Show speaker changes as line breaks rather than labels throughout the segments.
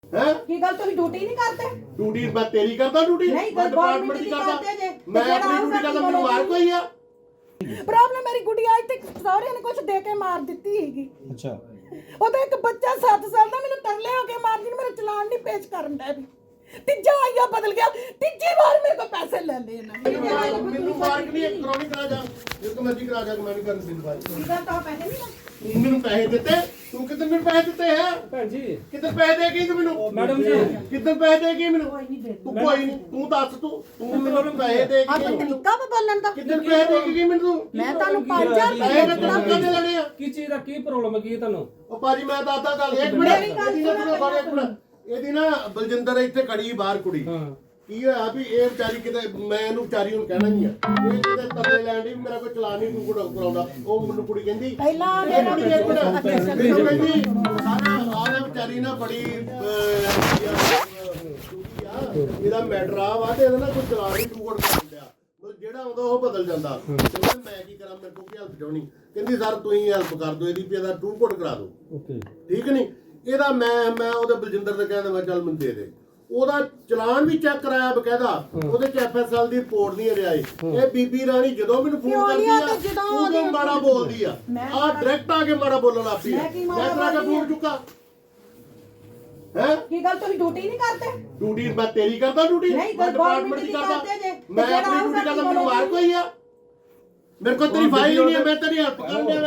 हैं
की गल तुम ड्यूटी नहीं करते?
ड्यूटी मैं तेरी करता ड्यूटी
नहीं,
मैं
गवर्नमेंट
डिपार्टमेंट की
की
करता
करते जे।
मैं
ते
अपनी ड्यूटी करता मेनू मार कोई है
प्रॉब्लम मेरी गुड़िया आज तक सौरे ने कुछ दे के मार ਦਿੱਤੀ ਹੈਗੀ।
ਅੱਛਾ
ਉਹ ਤਾਂ ਇੱਕ ਬੱਚਾ 7 ਸਾਲ ਦਾ ਮੈਨੂੰ ਤਰਲੇ ਹੋ ਕੇ ਮਾਰਦੀ ਨੂੰ ਮੇਰਾ ਚਲਾਨ ਨਹੀਂ ਪੇਸ਼ ਕਰਨ ਦਾ ਵੀ ਤੀਜਾ ਆਇਆ ਬਦਲ ਗਿਆ ਤੀਜੀ ਵਾਰ ਮੇਰੇ ਕੋਲ ਪੈਸੇ ਲੈ ਲਏ ਇਹਨਾਂ ਨੇ
ਮੈਨੂੰ ਮਾਰ ਕੇ ਨਹੀਂ ਕਰੋਨੀ ਕਰਾ ਜਾ ਜੇ ਤੂੰ ਮਰਜ਼ੀ ਕਰਾ ਜਾ ਮੈਂ ਨਹੀਂ ਕਰਨ ਦਿੰਦਾ ਭਾਈ
ਸੀਗਾ ਤਾਂ ਪੈਸੇ ਨਹੀਂ ਨਾ
ਮੈਨੂੰ ਪੈਸੇ ਦਿੱਤੇ ਤੂੰ ਕਿੰਨੇ ਮੈਨੂੰ ਪੈਸੇ ਦਿੱਤੇ ਹੈ
ਭੈਣ ਜੀ
ਕਿੰਨੇ ਪੈਸੇ ਦੇ ਗਈ ਤੂੰ ਮੈਨੂੰ
ਮੈਡਮ ਜੀ
ਕਿੰਨੇ ਪੈਸੇ ਦੇ ਗਈ ਮੈਨੂੰ
ਕੋਈ ਨਹੀਂ ਦੇ
ਤੂੰ ਕੋਈ ਨਹੀਂ ਤੂੰ ਦੱਸ ਤੂੰ ਮੈਨੂੰ ਪੈਸੇ ਦੇ
ਆ ਕੋਈ
ਗਈ
ਤਰੀਕਾ ਵਾ ਬੋਲਣ ਦਾ
ਕਿੰਨੇ ਪੈਸੇ ਦੇ ਗਈ ਮੈਨੂੰ ਤੂੰ
ਮੈਂ ਤੁਹਾਨੂੰ 5000
ਪੈਸੇ ਮੈਂ
ਰੁਪਏ
ਤੈਨੂੰ ਕਦੇ ਲੈਣੇ ਆ
ਕੀ ਚੀਜ਼ ਦਾ ਕੀ ਪ੍ਰੋਬਲਮ ਹੈ ਕੀ ਤੁਹਾਨੂੰ
ਉਹ ਭਾਜੀ ਮੈਂ ਦੱਸਦਾ ਗੱਲ ਇੱਕ
ਮੇਰੀ ਗੱਲ
ਇਹਦੀ ਨਾ ਸੁਣੋ ਇੱਕ ਮਿੰਟ ਇਹਦੀ ਨਾ ਬਲਜਿੰਦਰ ਇੱਥੇ ਖੜੀ ਬਾਹਰ ਕੁੜੀ
ਹਾਂ
ਕੀ ਹੋਇਆ ਵੀ ਇਹ ਵਿਚਾਰੀ ਕਿਤੇ ਮੈਂ ਇਹਨੂੰ ਵਿਚਾਰੀ ਨੂੰ ਕਹਿਣਾ ਨਹੀਂ ਆ ਇਹ ਕਿਤੇ ਤਰਲੇ ਲੈਣ ਦੀ ਮੇਰਾ ਕੋਈ ਚਲਾਨ ਨਹੀਂ ਤੂੰ ਕਰਾਉਂਦਾ ਉਹ ਮੈਨੂੰ ਕੁੜੀ ਕਹਿੰਦੀ
ਪਹਿਲਾਂ
ਇਹ ਕੁੜੀ ਇੱਕ ਮਿੰਟ ਮੈਨੂੰ ਕਹਿੰਦੀ ਸਾਰਾ ਆਹ ਵਿਚਾਰੀ ਨਾ ਬੜੀ ਇਹਦਾ ਮੈਟਰ ਆ ਵਾ ਤੇ ਇਹਦਾ ਨਾ ਕੋਈ ਚਲਾਨ ਨਹੀਂ ਤੂੰ ਕਰ ਲਿਆ ਮਤਲਬ ਜਿਹੜਾ ਆਉਂਦਾ ਉਹ ਬਦਲ ਜਾਂਦਾ ਤੇ ਮੈਂ ਕੀ ਕਰਾਂ ਮੇਰੇ ਕੋਲ ਕੀ ਹੈਲਪ ਚਾਹਣੀ ਕਹਿੰਦੀ ਸਰ ਤੁਸੀਂ ਹੈਲਪ ਕਰ ਦਿਓ ਇਹਦੀ ਵੀ ਇਹਦਾ ਟੂ ਕੋਡ ਕਰਾ ਦਿਓ
ਓਕੇ
ਠੀਕ ਨਹੀਂ ਇਹਦਾ ਮੈਂ ਉਹਦੇ ਬਲਜਿੰਦਰ ਦੇ ਕਹਿੰਦਾ ਮੈਂ ਚੱਲ ਮੈਨੂੰ ਦੇ ਦੇ ਉਹਦਾ ਚਲਾਨ ਵੀ ਚੈੱਕ ਕਰਾਇਆ ਬਕਾਇਦਾ ਉਹਦੇ ਚ ਐਫਐਸਐਲ ਦੀ ਰਿਪੋਰਟ ਨਹੀਂ ਰਿਹਾ ਇਹ ਬੀਬੀ ਰਾਣੀ ਜਦੋਂ ਮੈਨੂੰ ਫੋਨ ਕਰਦੀ ਆ ਉਦੋਂ ਮਾੜਾ ਬੋਲਦੀ ਆ ਆ ਡਾਇਰੈਕਟ ਆ ਕੇ ਮਾੜਾ ਬੋਲਣ ਲੱਗੀ ਮੈਂ ਕਰਾ ਕੇ ਫੋਨ ਚੁੱਕਾ ਹੈ
ਕੀ ਗੱਲ ਤੁਸੀਂ ਡਿਊਟੀ ਨਹੀਂ ਕਰਦੇ?
ਡਿਊਟੀ ਮੈਂ ਤੇਰੀ ਕਰਦਾ ਡਿਊਟੀ
ਨਹੀਂ,
ਮੈਂ
ਗਵਰਨਮੈਂਟ ਦੀ
ਕਰਦਾ
ਕਰਦੇ ਜੇ।
ਮੈਂ ਆਪਣੀ ਡਿਊਟੀ ਕਰਦਾ ਮੈਨੂੰ ਮਾਰ ਕੋਈ ਆ ਮੇਰੇ ਕੋਲ ਤੇਰੀ ਫਾਈਲ ਹੀ ਨਹੀਂ ਹੈ ਮੈਂ ਤੇਰੀ ਹੈਲਪ ਕਰਨ ਡਿਆ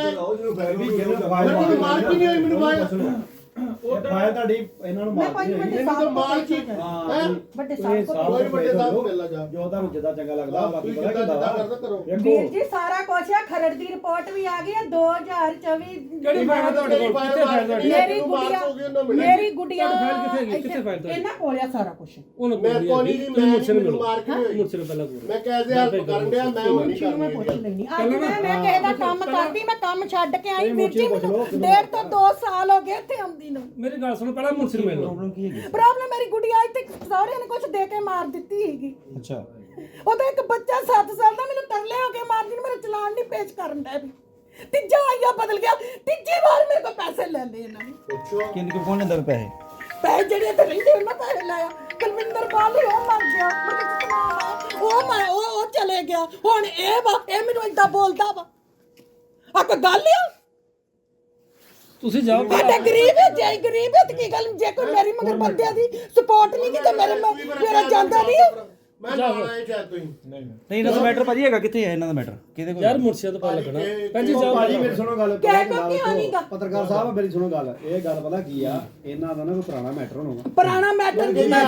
ਮੈਂ ਮੈਨੂੰ ਮਾਰ ਕੀ ਨਹੀਂ ਹੋਈ ਮੈਨੂੰ ਫਾਈਲ
ਉਹ ਫਾਇਲ ਤੁਹਾਡੀ ਇਹਨਾਂ ਨੂੰ
ਮੈਂ
ਮਾਰਦੀ
ਕੋਈ
ਹੋਈ
ਇਹਨੂੰ ਤਾਂ ਮਾਰ ਕੀ
ਹਾਂ
ਵੱਡੇ
ਇਹ
ਸਾਹਿਬ
ਸਾਲ
ਕੋਈ ਵੱਡੇ ਸਾਹਿਬ ਮਿਲ ਲਾ ਜਾ
ਜੋ ਤੁਹਾਨੂੰ ਜਿੱਦਾਂ ਚੰਗਾ ਲੱਗਦਾ ਬਾਕੀ
ਤੁਸੀਂ
ਪਤਾ
ਜਿੱਦਾਂ
ਕਿਦਾਂ
ਕਰਦਾ ਕਰੋ
ਵੀਰ ਜੀ ਸਾਰਾ ਕੁਛ ਹੈ ਖਰੜ ਦੀ ਰਿਪੋਰਟ ਵੀ ਆ ਗਈ ਹੈ 2024
ਕਿਹੜੀ ਫਾਈਲ ਤੁਹਾਡੇ ਕੋਲ ਕਿੱਥੇ ਫਾਈਲ ਤੁਹਾਡੀ
ਮੇਰੀ ਗੁੱਡੀਆ ਮੇਰੀ ਗੁੱਡੀਆ
ਤੁਹਾਡੀ ਫਾਈਲ ਕਿੱਥੇ ਹੈਗੀ? ਕਿੱਥੇ ਫਾਈਲ ਤੁਹਾਡੀ?
ਇਹਨਾਂ ਕੋਲ ਆ ਸਾਰਾ ਕੁਝ
ਉਹਨੂੰ
ਮੈਂ ਕੋਈ ਨਹੀਂ ਮੈਂ ਮੈਨੂੰ ਮਾਰ ਕੇ ਹੋਈ
ਮੁਰਸੇ ਨੂੰ ਪਹਿਲਾਂ ਬੋਲ
ਮੈਂ ਕੈਸੇ ਹੈਲਪ ਕਰਨ ਡਿਆ ਮੈਂ ਹੁਣ ਨਹੀਂ
ਮੈਂ ਪੁੱਛ
ਕਰਨੀ
ਲੈਣੀ ਅੱਜ ਮੈਂ ਕਿਸੇ ਦਾ ਕੰਮ ਕਰਦੀ ਮੈਂ ਕੰਮ ਛੱਡ ਕੇ ਆਈ ਵੀਰ ਜੀ ਮੈਨੂੰ 1.5 ਤੋਂ 2 ਸਾਲ ਹੋ ਗਏ ਇੱਥੇ ਆਉਂਦੀ ਨੂੰ
ਮੇਰੀ ਗੱਲ ਸੁਣੋ ਪਹਿਲਾਂ ਮੁਰਸੇ ਨੂੰ ਮਿਲ ਲਓ
ਪ੍ਰੋਬਲਮ ਕੀ ਹੈਗੀ
ਪ੍ਰੋਬਲਮ ਮੇਰੀ ਗੁੱਡੀਆ ਅੱਜ ਤੱਕ ਸਹੁਰੇ ਨੇ ਕੁਝ ਦੇ ਕੇ ਮਾਰ ਦਿੱਤੀ ਹੈਗੀ
ਅੱਛਾ
ਉਹ ਤਾਂ ਇੱਕ ਬੱਚਾ 7 ਸਾਲ ਦਾ ਮੈਨੂੰ ਤਰਲੇ ਹੋ ਕੇ ਮਾਰਦੀ ਨੂੰ ਮੇਰਾ ਚਲਾਨ ਨਹੀਂ ਪੇਸ਼ ਕਰਨ ਦਾ ਵੀ ਤੀਜਾ ਆਇਆ ਬਦਲ ਗਿਆ ਤੀਜੀ ਵਾਰ ਮੇਰੇ ਕੋਲ ਪੈਸੇ ਲੈ ਲਏ ਇਹਨਾਂ ਨੇ
ਪੁੱਛੋ
ਕਿੰਨੇ ਕੋ ਕੋਣ ਦਿੰਦਾ ਪੈਸੇ
ਪੈਸੇ ਜਿਹੜੇ ਇੱਥੇ ਰਹਿੰਦੇ ਉਹਨਾਂ ਪੈਸੇ ਲਾਇਆ ਕੁਲਵਿੰਦਰ ਬਾਲ ਉਹ ਮਰ ਗਿਆ ਮੁੜ ਕੇ ਚਲਾਨ ਆਇਆ ਉਹ ਚਲੇ ਗਿਆ ਹੁਣ ਇਹ ਮੈਨੂੰ ਏਦਾਂ ਬੋਲਦਾ ਵਾ ਆ ਕੋਈ ਗੱਲ ਆ
ਤੁਸੀਂ ਜਾਓ
ਸਾਡੇ ਗਰੀਬ ਹੈ ਜੇ ਗਰੀਬ ਹੈ ਤੇ ਕੀ ਗੱਲ ਜੇ ਕੋਈ ਮੇਰੀ ਮਗਰ ਬੰਦਿਆਂ ਦੀ ਸਪੋਰਟ ਨਹੀਂ ਕੀਤੀ ਮੇਰਾ ਜਾਂਦਾ ਨਹੀਂ
ਮੈਂ ਜਾਣਾ ਇਹ ਚਾਹ ਤੁਸੀਂ
ਨਹੀਂ ਇਹਨਾਂ ਦਾ ਮੈਟਰ ਭਾਜੀ ਹੈਗਾ ਕਿੱਥੇ ਹੈ ਇਹਨਾਂ ਦਾ ਮੈਟਰ ਕਿਹਦੇ ਕੋਲ
ਯਾਰ ਮੁਰਸੇ ਤੋਂ ਪਤਾ ਲੱਗਣਾ ਭੈਣ ਜੀ ਜਾਓ
ਭਾਜੀ ਮੇਰੀ ਸੁਣੋ ਗੱਲ
ਕਹਿ ਕੋ ਕੀ ਆਣੀਗਾ
ਪੱਤਰਕਾਰ ਸਾਹਿਬ ਮੇਰੀ ਸੁਣੋ ਗੱਲ ਇਹ ਗੱਲ ਪਤਾ ਕੀ ਆ ਇਹਨਾਂ ਦਾ ਨਾ ਕੋਈ ਪੁਰਾਣਾ ਮੈਟਰ ਹੋਣਾ
ਪੁਰਾਣਾ ਮੈਟਰ ਦੀ
ਮੈਂ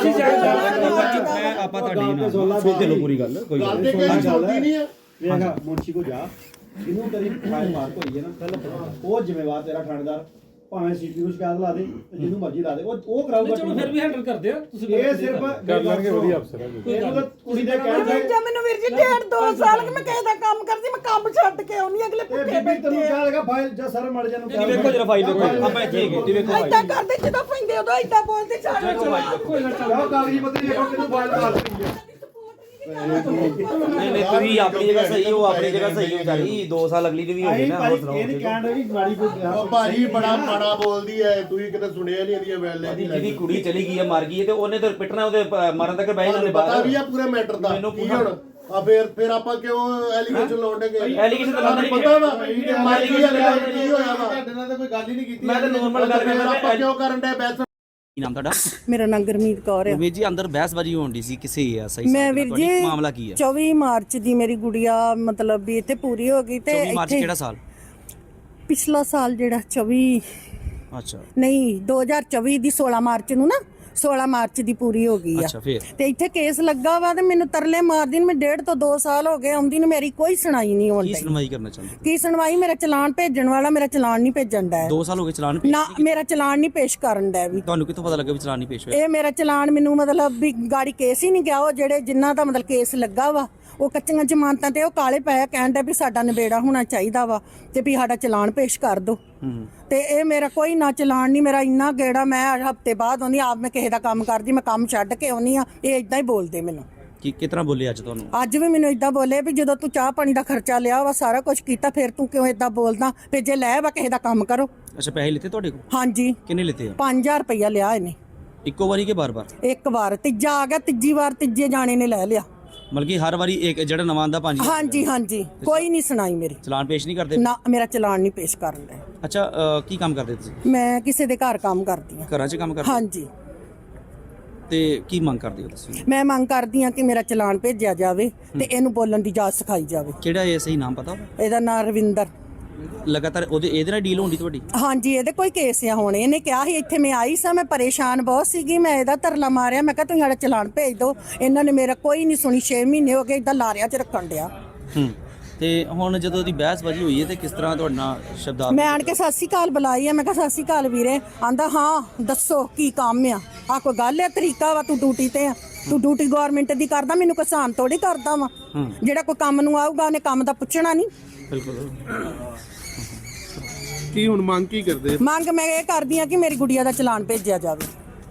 ਆਪਾਂ ਤੁਹਾਡੀ ਨਾ ਸੁਣਦੇ ਲੋ ਪੂਰੀ ਗੱਲ ਕੋਈ
ਗੱਲ ਤੇ ਕਿਹੜੀ ਛੋਟੀ ਨਹੀਂ ਆ
ਵੇਖਾ ਮੁਨਸ਼ੀ ਕੋ ਜਾ ਇਹਨੂੰ ਤੇਰੀ ਫਾਈਲ ਮਾਰ ਹੋਈ ਹੈ ਨਾ ਪਹਿਲਾਂ ਉਹ ਜ਼ਿੰਮੇਵਾਰ ਤੇਰਾ ਥਾਣੇਦਾਰ ਭਾਵੇਂ ਸੀਪੀਯੂ ਸ਼ਿਕਾਇਤ ਲਾ ਦੇ ਜਿਹਨੂੰ ਮਰਜ਼ੀ ਲਾ ਦੇ ਉਹ ਕਰਾਊਗਾ
ਚਲੋ ਫਿਰ ਵੀ ਹੈਂਡਲ ਕਰਦੇ ਆ ਤੁਸੀਂ
ਇਹ ਸਿਰਫ ਕਰ ਲਾਂਗੇ ਵਧੀਆ ਅਫਸਰ ਹੈ ਇਹਨੂੰ ਤਾਂ ਕੁੜੀ ਦੇ ਕਹਿਣ ਤੇ
ਜੇ ਮੈਨੂੰ ਵੀਰ ਜੀ 1.5-2 ਸਾਲ ਕਿ ਮੈਂ ਕਿਸੇ ਦਾ ਕੰਮ ਕਰਦੀ ਮੈਂ ਕੰਮ ਛੱਡ ਕੇ ਆਉਣੀ ਅਗਲੇ
ਇਹ
ਭੁੱਖੇ
ਬੀਬੀ ਤੈਨੂੰ ਕਿਹਾ ਲਗਾ ਫਾਈਲ ਜਾਂ ਸਰ ਮੜ ਜਾਨੂੰ
ਜੀ ਵੇਖੋ ਜਰਾ ਫਾਈਲ ਵੇਖੋ ਆਪਾਂ ਇੱਥੇ ਹੈਗੇ ਜੀ ਵੇਖੋ
ਏਦਾਂ ਕਰਦੇ ਜਦੋਂ ਪੈਂਦੇ ਉਦੋਂ ਏਦਾਂ ਬੋਲਦੇ ਛੱਡ
ਕੋਈ ਨਾ ਚੱਲ
ਜਾਓ ਕਾਗਜ਼ੀ ਪੱਤਰੀ ਵੇਖੋ ਕਿਹਨੂੰ ਫਾਈਲ ਮਾਰ ਰਹੀ ਹੈ
ਨਹੀਂ ਨਹੀਂ ਤੁਸੀਂ ਆਪਣੀ ਜਗ੍ਹਾ ਸਹੀ ਹੋ ਆਪਣੀ ਜਗ੍ਹਾ ਸਹੀ ਹੋ ਜਾਈ 2 ਸਾਲ ਅਗਲੀ ਦੀ ਵੀ ਹੋ ਗਈ
ਆਈ
ਨਾ
ਭਾਈ
ਹੋਰ ਸੁਣਾਓ
ਇਹ ਨਹੀਂ ਕਹਿਣ ਰਹੀ ਮਾੜੀ ਕੋਈ
ਉਹ ਭਾਜੀ ਬੜਾ ਮਾੜਾ ਬੋਲਦੀ ਐ ਤੁਸੀਂ ਕਿਤੇ ਸੁਣਿਆ ਨਹੀਂ ਇਹਦੀਆਂ ਵੈਲੇ ਦੀ
ਜਿਹਦੀ ਕੁੜੀ ਚਲੀ ਗਈ ਹੈ ਮਰ ਗਈ ਹੈ ਤੇ ਉਹਨੇ ਤਾਂ ਪਿੱਟਣਾ ਉਹਦੇ ਮਰਨ ਤੱਕ ਬਹਿ ਜਾਂਦੇ
ਪਤਾ
ਬਾਹਰ
ਵੀ ਆ ਪੂਰੇ ਮੈਟਰ ਦਾ
ਮੈਨੂੰ
ਕੀ ਹੁਣ ਆ ਫਿਰ ਆਪਾਂ ਕਿਉਂ ਐਲੀਗੇਸ਼ਨ ਲਾਉਂਦੇ
ਐਲੀਗੇਸ਼ਨ ਤਾਂ ਲਾਉਂਦੇ ਨਹੀਂ
ਪਤਾ ਵਾ ਮਰ ਗਈ ਆ ਕੀ ਹੋਇਆ ਵਾ
ਤੁਹਾਡੇ ਨਾਲ ਤਾਂ ਕੋਈ ਗੱਲ ਹੀ ਨਹੀਂ ਕੀਤੀ
ਮੈਂ ਤਾਂ normal ਗੱਲ ਕਰਦਾ
ਆਪਾਂ ਕਿਉਂ ਕਰਨ ਦੇ ਬੈਸ
ਕੀ ਨਾਮ ਤੁਹਾਡਾ
ਮੇਰਾ ਨਾਂ ਗੁਰਮੀਤ ਕੌਰ
ਵੀਰ ਜੀ ਅੰਦਰ ਬਹਿਸਬਾਜੀ ਹੋਣ ਦੀ ਸੀ ਕਿਸੇ ਆ ਸਹੀ
ਮੈਂ ਵੀਰ ਜੀ
ਮਾਮਲਾ ਕੀ ਹੈ
24 ਮਾਰਚ ਦੀ ਮੇਰੀ ਗੁੜੀਆ ਮਤਲਬ ਵੀ ਇੱਥੇ ਪੂਰੀ ਹੋ ਗਈ ਤੇ
24 ਮਾਰਚ ਕਿਹੜਾ ਸਾਲ
ਪਿਛਲਾ ਸਾਲ ਜਿਹੜਾ 24
ਅੱਛਾ
ਨਹੀਂ 2024 ਦੀ 16 ਮਾਰਚ ਨੂੰ ਨਾ 16 ਮਾਰਚ ਦੀ ਪੂਰੀ ਹੋ ਗਈ ਆ
ਅੱਛਾ ਫਿਰ
ਤੇ ਇੱਥੇ ਕੇਸ ਲੱਗਾ ਵਾ ਤੇ ਮੈਨੂੰ ਤਰਲੇ ਮਾਰਦੀ ਨੂੰ ਮੈਂ 1.5 ਤੋਂ 2 ਸਾਲ ਹੋ ਗਏ ਆਉਂਦੀ ਨੂੰ ਮੇਰੀ ਕੋਈ ਸੁਣਾਈ ਨਹੀਂ
ਕੀ
ਹੋਣੀ
ਸੁਣਵਾਈ ਕਰਨਾ ਚਾਹੁੰਦੇ
ਕੀ ਸੁਣਵਾਈ ਮੇਰਾ ਚਲਾਨ ਭੇਜਣ ਵਾਲਾ ਮੇਰਾ ਚਲਾਨ ਨਹੀਂ ਭੇਜਣ ਦਾ
2 ਸਾਲ ਹੋ ਗਏ ਚਲਾਨ
ਨਾ ਮੇਰਾ ਚਲਾਨ ਨਹੀਂ ਪੇਸ਼ ਕਰਨ ਦਾ ਵੀ
ਤੁਹਾਨੂੰ ਕਿੱਥੋਂ ਪਤਾ ਲੱਗਾ ਵੀ ਚਲਾਨ ਨਹੀਂ ਪੇਸ਼ ਹੋਇਆ
ਇਹ ਮੇਰਾ ਚਲਾਨ ਮੈਨੂੰ ਮਤਲਬ ਵੀ ਗਾੜੀ ਕੇਸ ਹੀ ਨਹੀਂ ਗਿਆ ਉਹ ਜਿਹੜੇ ਜਿਨ੍ਹਾਂ ਦਾ ਮਤਲਬ ਕੇਸ ਲੱਗਾ ਵਾ ਉਹ ਕੱਚੀਆਂ ਜ਼ਮਾਨਤਾਂ ਤੇ ਉਹ ਕਾਲੇ ਪਏ ਕਹਿੰਦਾ ਵੀ ਸਾਡਾ ਨਿਬੇੜਾ ਹੋਣਾ ਚਾਹੀਦਾ ਵਾ ਤੇ ਵੀ ਸਾਡਾ ਚਲਾਨ ਪੇਸ਼ ਕਰ ਦਿਓ ਤੇ ਇਹ ਮੇਰਾ ਕੋਈ ਨਾ ਚਲਾਨ ਨਹੀਂ ਮੇਰਾ ਇੰਨਾ ਗੇੜਾ ਮੈਂ ਹਫਤੇ ਬਾਅਦ ਆਉਂਦੀ ਆਪ ਮੈਂ ਕਿਸੇ ਦਾ ਕੰਮ ਕਰਦੀ ਮੈਂ ਕੰਮ ਛੱਡ ਕੇ ਆਉਣੀ ਆ ਇਹ ਇਦਾਂ ਹੀ ਬੋਲਦੇ ਮੈਨੂੰ
ਕੀ ਕਿਤਨਾ ਬੋਲੇ ਅੱਜ ਤੁਹਾਨੂੰ
ਅੱਜ ਵੀ ਮੈਨੂੰ ਇਦਾਂ ਬੋਲੇ ਵੀ ਜਦੋਂ ਤੂੰ ਚਾਹ ਪਾਣੀ ਦਾ ਖਰਚਾ ਲਿਆ ਵਾ ਸਾਰਾ ਕੁਝ ਕੀਤਾ ਫਿਰ ਤੂੰ ਕਿਉਂ ਇਦਾਂ ਬੋਲਦਾ ਵੀ ਜੇ ਲੈ ਵਾ ਕਿਸੇ ਦਾ ਕੰਮ ਕਰੋ
ਅੱਛਾ ਪੈਸੇ ਲਿੱਤੇ ਤੁਹਾਡੇ ਕੋਲ
ਹਾਂਜੀ
ਕਿੰਨੇ ਲਿੱਤੇ ਆ
5000 ਰੁਪਇਆ ਲਿਆ ਇਹਨੇ
ਇੱਕੋ ਵਾਰੀ ਕਿ ਬਾਰ-ਬਾਰ?
ਇੱਕ ਵਾਰ ਤੀਜਾ ਆ ਗਿਆ, ਤੀਜੀ ਵਾਰ ਤੀਜੇ ਜਾਣੇ ਨੇ ਲੈ ਲਿਆ।
ਮਤਲਬ ਕਿ ਹਰ ਵਾਰੀ ਇੱਕ ਜਿਹੜਾ ਨਵਾਂ ਆਂਦਾ 5000?
ਹਾਂਜੀ ਹਾਂਜੀ, ਕੋਈ ਨਹੀਂ ਸੁਣਾਈ ਮੇਰੀ।
ਚਲਾਨ ਪੇਸ਼ ਨਹੀਂ ਕਰਦੇ?
ਨਾ, ਮੇਰਾ ਚਲਾਨ ਨਹੀਂ ਪੇਸ਼ ਕਰਨ ਦਾ।
ਅੱਛਾ, ਕੀ ਕੰਮ ਕਰਦੇ ਤੁਸੀਂ?
ਮੈਂ ਕਿਸੇ ਦੇ ਘਰ ਕੰਮ ਕਰਦੀ ਹਾਂ।
ਘਰਾਂ 'ਚ ਕੰਮ ਕਰਦੇ?
ਹਾਂਜੀ।
ਤੇ ਕੀ ਮੰਗ ਕਰਦੇ ਹੋ ਤੁਸੀਂ?
ਮੈਂ ਮੰਗ ਕਰਦੀ ਹਾਂ ਕਿ ਮੇਰਾ ਚਲਾਨ ਭੇਜਿਆ ਜਾਵੇ ਤੇ ਇਹਨੂੰ ਬੋਲਣ ਦੀ ਜਾਚ ਸਿਖਾਈ ਜਾਵੇ।
ਕਿਹੜਾ ਇਹ ਸਹੀ ਨਾਮ ਪਤਾ?
ਇਹਦਾ ਨਾਂ ਰਵਿੰਦਰ।
ਲਗਾਤਾਰ ਇਹਦੇ ਨਾਲ ਡੀਲ ਹੁੰਦੀ ਤੁਹਾਡੀ?
ਹਾਂਜੀ, ਇਹਦੇ ਕੋਈ ਕੇਸ ਆ ਹੁਣ। ਇਹਨੇ ਕਿਹਾ ਸੀ ਇੱਥੇ ਮੈਂ ਆਈ ਸਾਂ, ਮੈਂ ਪਰੇਸ਼ਾਨ ਬਹੁਤ ਸੀਗੀ, ਮੈਂ ਇਹਦਾ ਤਰਲਾ ਮਾਰਿਆ, ਮੈਂ ਕਿਹਾ ਤੁਸੀਂ ਸਾਡਾ ਚਲਾਨ ਭੇਜ ਦਿਓ। ਇਹਨਾਂ ਨੇ ਮੇਰਾ ਕੋਈ ਨਹੀਂ ਸੁਣੀ। 6 ਮਹੀਨੇ ਹੋ ਗਏ ਇਦਾਂ ਲਾਰਿਆਂ 'ਚ ਰੱਖਣ ਡਿਆ।
ਤੇ ਹੁਣ ਜਦੋਂ ਉਹਦੀ ਬਹਿਸਬਾਜ਼ੀ ਹੋਈ ਹੈ ਤੇ ਕਿਸ ਤਰ੍ਹਾਂ ਤੁਹਾਡੇ ਨਾਲ ਸ਼ਬਦਾਂ?
ਮੈਂ ਆਣ ਕੇ ਸਤਿ ਸ਼੍ਰੀ ਅਕਾਲ ਬੁਲਾਈ ਆ। ਮੈਂ ਕਿਹਾ ਸਤਿ ਸ਼੍ਰੀ ਅਕਾਲ ਵੀਰੇ। ਆਂਦਾ ਹਾਂ ਦੱਸੋ ਕੀ ਕੰਮ ਆ ਕੋਈ ਗੱਲ ਹੈ, ਤਰੀਕਾ ਵਾ, ਤੂੰ ਡਿਊਟੀ ਤੇ ਆ, ਤੂੰ ਡਿਊਟੀ ਗਵਰਨਮੈਂਟ ਦੀ ਕਰਦਾ, ਮੈਨੂੰ ਕਿਸਾਨ ਥੋੜੀ ਕਰਦਾ ਵਾ। ਜਿਹੜਾ ਕੋਈ ਕੰਮ ਨੂੰ ਆਊਗਾ ਉਹਨੇ ਕੰਮ ਦਾ ਪੁੱਛਣਾ ਨਹੀਂ।
ਬਿਲਕੁਲ।
ਕੀ ਹੁਣ ਮੰਗ ਕੀ ਕਰਦੇ?
ਮੰਗ ਮੈਂ ਇਹ ਕਰਦੀ ਆ ਕਿ ਮੇਰੀ ਗੁੜੀਆ ਦਾ ਚਲਾਨ ਭੇਜਿਆ ਜਾਵੇ।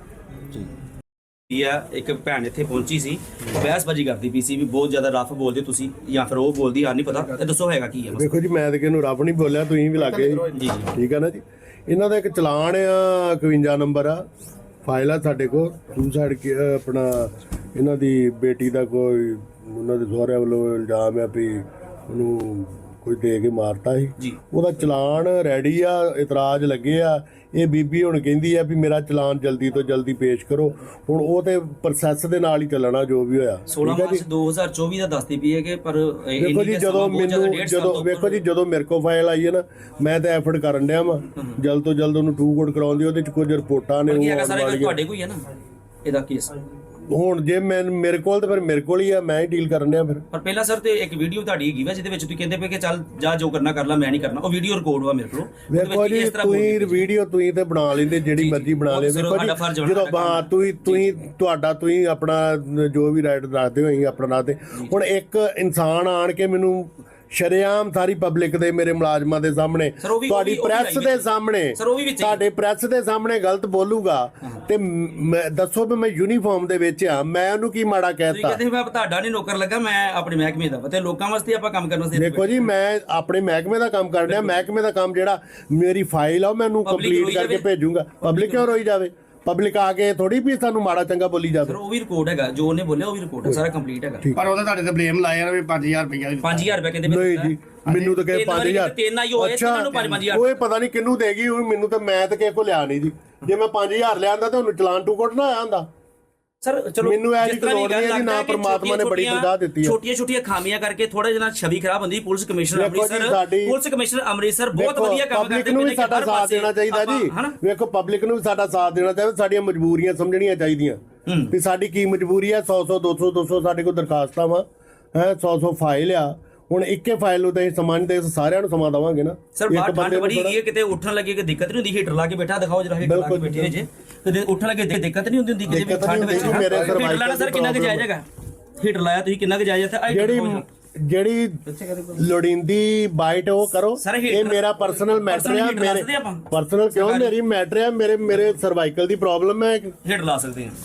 ਇੱਕ ਭੈਣ ਇੱਥੇ ਪਹੁੰਚੀ ਸੀ, ਬਹਿਸਬਾਜ਼ੀ ਕਰਦੀ ਪਈ ਸੀ ਵੀ ਬਹੁਤ ਜ਼ਿਆਦਾ ਰਫ ਬੋਲਦੇ ਤੁਸੀਂ ਜਾਂ ਫਿਰ ਉਹ ਬੋਲਦੀ, ਆ ਨਹੀਂ ਪਤਾ। ਇਹ ਦੱਸੋ ਹੈਗਾ ਕੀ ਹੈ?
ਦੇਖੋ ਜੀ, ਮੈਂ ਤਾਂ ਕਿਹਨੂੰ ਰੱਬ ਨਹੀਂ ਬੋਲਿਆ, ਤੁਸੀਂ ਵੀ ਲੱਗੇ
ਜੀ।
ਠੀਕ ਆ ਨਾ ਜੀ। ਇਹਨਾਂ ਦਾ ਇੱਕ ਚਲਾਨ ਆ, 51 ਨੰਬਰ ਆ, ਫਾਈਲ ਆ ਸਾਡੇ ਕੋਲ। ਸੁਸਾਈਡ ਆਪਣਾ ਇਹਨਾਂ ਦੀ ਬੇਟੀ ਦਾ ਕੋਈ ਉਹਨਾਂ ਦੇ ਸਹੁਰਿਆਂ ਵੱਲੋਂ ਇਲਜ਼ਾਮ ਆ ਵੀ ਉਹਨੂੰ ਕੋਈ ਦੇ ਕੇ ਮਾਰਤਾ ਸੀ। ਉਹਦਾ ਚਲਾਨ ਰੈਡੀ ਆ, ਇਤਰਾਜ਼ ਲੱਗੇ ਆ। ਇਹ ਬੀਬੀ ਹੁਣ ਕਹਿੰਦੀ ਆ ਵੀ ਮੇਰਾ ਚਲਾਨ ਜਲਦੀ ਤੋਂ ਜਲਦੀ ਪੇਸ਼ ਕਰੋ। ਹੁਣ ਉਹ ਤੇ ਪ੍ਰੋਸੈਸ ਦੇ ਨਾਲ ਹੀ ਚੱਲਣਾ ਜੋ ਵੀ ਹੋਇਆ।
16 ਮਾਰਚ 2024 ਦਾ ਦੱਸਦੀ ਪਈ ਹੈ ਕਿ ਪਰ
ਦੇਖੋ ਜੀ, ਜਦੋਂ ਵੇਖੋ ਜੀ, ਜਦੋਂ ਮੇਰੇ ਕੋਲ ਫਾਈਲ ਆਈ ਹੈ ਨਾ, ਮੈਂ ਤਾਂ ਐਫਰਟ ਕਰਨ ਡਿਆ ਵਾਂ ਜਲਦ ਤੋਂ ਜਲਦ ਉਹਨੂੰ ਟੂ ਕੋਡ ਕਰਾਉਣ ਦੀ। ਉਹਦੇ ਚ ਕੁਝ ਰਿਪੋਰਟਾਂ ਨੇ
ਤੁਹਾਡੇ ਕੋਈ ਹੈ ਨਾ ਇਹਦਾ ਕੇਸ।
ਹੁਣ ਜੇ ਮੇਰੇ ਕੋਲ ਤੇ ਫਿਰ ਮੇਰੇ ਕੋਲ ਹੀ ਆ, ਮੈਂ ਹੀ ਡੀਲ ਕਰਨ ਡਿਆ ਫਿਰ।
ਪਰ ਪਹਿਲਾਂ ਸਰ ਤੇ ਇੱਕ ਵੀਡੀਓ ਤੁਹਾਡੀ ਹੈਗੀ ਵਾ ਜਿਹਦੇ ਵਿੱਚ ਤੁਸੀਂ ਕਹਿੰਦੇ ਪਏ ਕਿ ਚੱਲ ਜਾ ਜੋ ਕਰਨਾ ਕਰ ਲੈ, ਮੈਂ ਨਹੀਂ ਕਰਨਾ। ਉਹ ਵੀਡੀਓ ਰਿਕਾਰਡ ਵਾ ਮੇਰੇ ਕੋਲ।
ਵੇਖੋ ਜੀ, ਤੁਸੀਂ ਵੀਡੀਓ ਤੁਸੀਂ ਤੇ ਬਣਾ ਲੈਂਦੇ, ਜਿਹੜੀ ਮਰਜ਼ੀ ਬਣਾ ਲੈਂਦੇ। ਦੇਖੋ ਜੀ, ਜਦੋਂ ਤੁਸੀਂ ਆਪਣਾ ਜੋ ਵੀ ਰਾਈਟ ਦੱਸਦੇ ਹੋ, ਅਸੀਂ ਆਪਣਾ ਦੱਸਦੇ। ਹੁਣ ਇੱਕ ਇਨਸਾਨ ਆਣ ਕੇ ਮੈਨੂੰ ਸ਼ਰੇਆਮ ਸਾਰੀ ਪਬਲਿਕ ਦੇ, ਮੇਰੇ ਮੁਲਾਜ਼ਮਾਂ ਦੇ ਸਾਹਮਣੇ, ਤੁਹਾਡੀ ਪ੍ਰੈਸ ਦੇ ਸਾਹਮਣੇ, ਤੁਹਾਡੇ ਪ੍ਰੈਸ ਦੇ ਸਾਹਮਣੇ ਗਲਤ ਬੋਲੂਗਾ ਤੇ ਦੱਸੋ ਵੀ ਮੈਂ ਯੂਨੀਫਾਰਮ ਦੇ ਵਿੱਚ ਆ, ਮੈਂ ਉਹਨੂੰ ਕੀ ਮਾੜਾ ਕਹਿਤਾ?
ਕਹਿੰਦੇ ਮੈਂ ਤੁਹਾਡਾ ਨਹੀਂ ਨੌਕਰ ਲੱਗਾ, ਮੈਂ ਆਪਣੇ ਮਹਿਕਮੇ ਦਾ ਤੇ ਲੋਕਾਂ ਵਾਸਤੇ ਆਪਾਂ ਕੰਮ ਕਰਨ ਵਾਸਤੇ।
ਦੇਖੋ ਜੀ, ਮੈਂ ਆਪਣੇ ਮਹਿਕਮੇ ਦਾ ਕੰਮ ਕਰ ਰਿਹਾ। ਮਹਿਕਮੇ ਦਾ ਕੰਮ ਜਿਹੜਾ ਮੇਰੀ ਫਾਈਲ ਆ ਉਹ ਮੈਨੂੰ ਕੰਪਲੀਟ ਕਰਕੇ ਭੇਜੂਗਾ। ਪਬਲਿਕ ਕਿਉਂ ਰੋਈ ਜਾਵੇ? ਪਬਲਿਕ ਆ ਕੇ ਥੋੜੀ ਵੀ ਸਾਨੂੰ ਮਾੜਾ ਚੰਗਾ ਬੋਲੀ ਜਾਵੇ।
ਉਹ ਵੀ ਰਿਕਾਰਡ ਹੈਗਾ, ਜੋ ਉਹਨੇ ਬੋਲਿਆ ਉਹ ਵੀ ਰਿਕਾਰਡ ਹੈ, ਸਾਰਾ ਕੰਪਲੀਟ ਹੈਗਾ।
ਪਰ ਉਹਦਾ ਤੁਹਾਡੇ ਤੇ ਬਲੇਮ ਲਾਇਆ ਵੀ 5000 ਰੁਪਇਆ
5000 ਰੁਪਏ ਕਹਿੰਦੇ
ਨਹੀਂ ਜੀ, ਮੈਨੂੰ ਤਾਂ ਕਹੇ 5000।
ਅੱਛਾ,
ਉਹ ਪਤਾ ਨਹੀਂ ਕਿਹਨੂੰ ਦੇਗੀ ਉਹ, ਮੈਨੂੰ ਤਾਂ ਮੈਂ ਤਾਂ ਕਿਸੇ ਕੋਲ ਲਿਆ ਨਹੀਂ ਜੀ। ਜੇ ਮੈਂ 5000 ਲਿਆਂਦਾ ਤਾਂ ਉਹਨੂੰ ਚਲਾਨ ਟੂ ਕੋਟ ਨਾ ਆਇਆ ਹੁੰਦਾ।
ਸਰ ਚਲੋ,
ਮੈਨੂੰ ਇਹ ਜੀ ਲੋੜ ਨਹੀਂ ਹੈ ਜੀ, ਨਾ ਪਰਮਾਤਮਾ ਨੇ ਬੜੀ ਤਨਖਾਹ ਦਿੱਤੀ ਹੈ।
ਛੋਟੀਆਂ ਖਾਮੀਆਂ ਕਰਕੇ ਥੋੜਾ ਜਿਹਾ ਛਵੀ ਖਰਾਬ ਹੁੰਦੀ। ਪੁਲਿਸ ਕਮਿਸ਼ਨਰ ਅੰਮ੍ਰਿਤਸਰ ਬਹੁਤ ਵਧੀਆ ਕੰਮ ਕਰਦੇ ਨੇ।
ਪਬਲਿਕ ਨੂੰ ਵੀ ਸਾਡਾ ਸਾਥ ਦੇਣਾ ਚਾਹੀਦਾ ਜੀ। ਵੇਖੋ, ਪਬਲਿਕ ਨੂੰ ਵੀ ਸਾਡਾ ਸਾਥ ਦੇਣਾ ਚਾਹੀਦਾ। ਸਾਡੀਆਂ ਮਜਬੂਰੀਆਂ ਸਮਝਣੀਆਂ ਚਾਹੀਦੀਆਂ ਵੀ ਸਾਡੀ ਕੀ ਮਜਬੂਰੀ ਹੈ। 100 200 ਸਾਡੇ ਕੋਲ ਦਰਖਾਸਤਾਂ ਵਾ, 100 ਫਾਈਲ ਆ। ਹੁਣ ਇੱਕੇ ਫਾਈਲ ਨੂੰ ਤਾਂ ਇਹ ਸਮਾਂ ਨਹੀਂ ਦੇ, ਸਾਰਿਆਂ ਨੂੰ ਸਮਾਂ ਦੇਵਾਂਗੇ ਨਾ।
ਸਰ ਬਾਹਰ ਠੰਡ ਬੜੀ ਹੈਗੀ, ਕਿਤੇ ਉੱਠਣ ਲੱਗੇ ਕਿ ਦਿੱਕਤ ਨਹੀਂ ਹੁੰਦੀ? ਹੀਟਰ ਲਾ ਕੇ ਬੈਠਾ ਦਿਖਾਓ ਜਰਾ, ਹੀਟਰ ਲਾ ਕੇ ਬੈਠੇ ਜੇ ਕਿਤੇ ਉੱਠਣ ਲੱਗੇ ਦਿੱਕਤ ਨਹੀਂ ਹੁੰਦੀ ਕਿਤੇ ਵੀ ਠੰਡ ਵਿੱਚ। ਹੀਟਰ ਲਾਣਾ ਸਰ ਕਿੰਨਾ ਕੁ ਜਾਇਜ਼ ਹੈਗਾ? ਹੀਟਰ ਲਾਇਆ ਤੁਸੀਂ ਕਿੰਨਾ ਕੁ ਜਾਇਜ਼ ਹੈ?
ਜਿਹੜੀ ਲੋੜੀਂਦੀ ਬਾਈਟ ਉਹ ਕਰੋ। ਇਹ ਮੇਰਾ ਪਰਸਨਲ ਮੈਟਰ ਆ। ਮੇਰੇ ਪਰਸਨਲ ਕਿਉਂ? ਮੇਰੀ ਮੈਟਰ ਆ, ਮੇਰੇ ਸਰਵਾਈਕਲ ਦੀ ਪ੍ਰੋਬਲਮ ਹੈ।
ਹੀਟਰ ਲਾ ਸਕਦੇ ਆ।